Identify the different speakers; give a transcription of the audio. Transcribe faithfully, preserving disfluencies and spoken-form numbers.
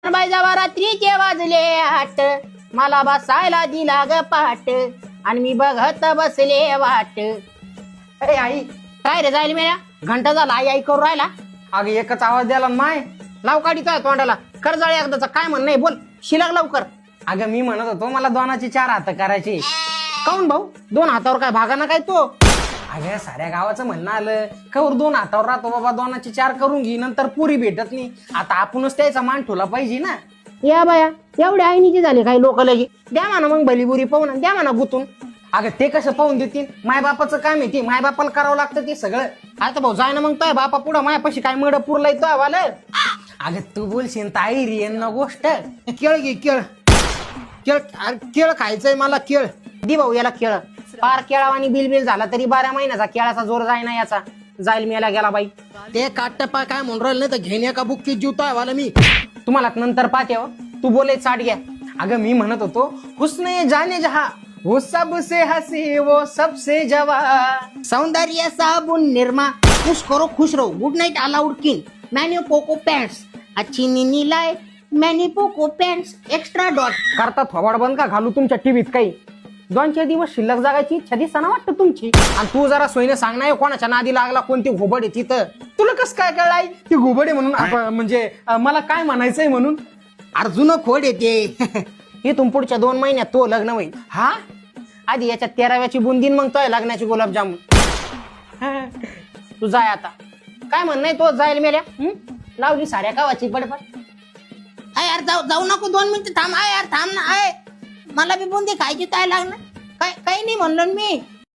Speaker 1: बायजावा रात्रीचे वाजले आठ, मला बसायला दिला ग पाट आणि मी बघत बसले वाट. अरे आई काय रे जाईल मेल्या घंटा झाला आई आई करू राहिला.
Speaker 2: अगं एकच आवाज द्याला माय.
Speaker 1: लाव काढीचा तोंडाला कर जाळे एकदाचा काय म्हण नाही बोल शिलाग लवकर.
Speaker 2: अगं मी म्हणत होतो मला दोनाचे चार हात करायचे.
Speaker 1: काऊन भाऊ दोन हातावर काय भागाना काय तो.
Speaker 2: अगं साऱ्या गावाचं म्हणणं आलं कवर दोन हातावर राहतो बाबा दोनाचे चार करून घे नंतर पुरी भेटत नाही. आता आपणच त्याचा मान ठेवला पाहिजे ना.
Speaker 1: या बाया एवढे आईनीचे झाले काही लोक लगी द्या म्हणा मग भलीबुरी पाहून द्या म्हणा गुतून.
Speaker 2: अगं ते कसं पाहून देतील मायबापाचं काम आहे ते मायबापाला करावं लागतं ते सगळं.
Speaker 1: आता भाऊ जाय ना मग तो बापा पुढं मायापाशी काय मड पुरलाय तो आवाल.
Speaker 2: अगं तू बोलशील ताई रे ना गोष्ट.
Speaker 1: केळ घे केळ केळ केळ खायचंय मला केळ दि भाऊ याला केळ. पार केळावानी बिल बिल झाला तरी बारा महिन्याचा केळाचा जोर जाय ना याचा जाईल मेला गेला बाई. ते काटपा काय म्हणून राहिलं नाही तर घेण्या का बुक्की जीवतोय वाला मी तुम्हाला नंतर पाहते हो. तू बोले चाट घ्या.
Speaker 2: अगं मी म्हणत होतो हुस्ने जाने जहा वो सबसे हसी वो सबसे जवा.
Speaker 1: सौंदर्य साबुन निर्मा खुश करो खुश रहो गुड नाइट अलाउड किन मैंने पोको पैंट्स अच्छी नीनी लाए मैंने पोको पैंट्स एक्स्ट्रा डॉट.
Speaker 2: करता थोबाड बंद का घालू तुमच्या टीव्हीत काही. दोन चार दिवस शिल्लक जागायची इच्छा दिसताना वाटतं तुमची.
Speaker 1: आणि तू जरा सोयीने सांग ना कोणाच्या नादी लागला कोणती घोबड आहे तिथं.
Speaker 2: तुला कसं काय कळाय ती घुबडे म्हणून आप- म्हणजे अं, मला काय म्हणायचंय म्हणून.
Speaker 1: अर्जुन खोड येते इथून पुढच्या दोन महिन्यात तो लग्न होईल.
Speaker 2: हा
Speaker 1: आधी याच्यात तेराव्याची बुंदीन मग तो लग्नाची गुलाबजामुन. तू जाय आता काय म्हण नाही तो जाईल मेल्या लावली साऱ्या गावाची बडबड. आय यार जाऊ जाऊ नको दोन मिनिटं थांब. आय यार थांब ना. आय मला बी बुंदी खायची काय लागणार काय काही नाही म्हणलं मी.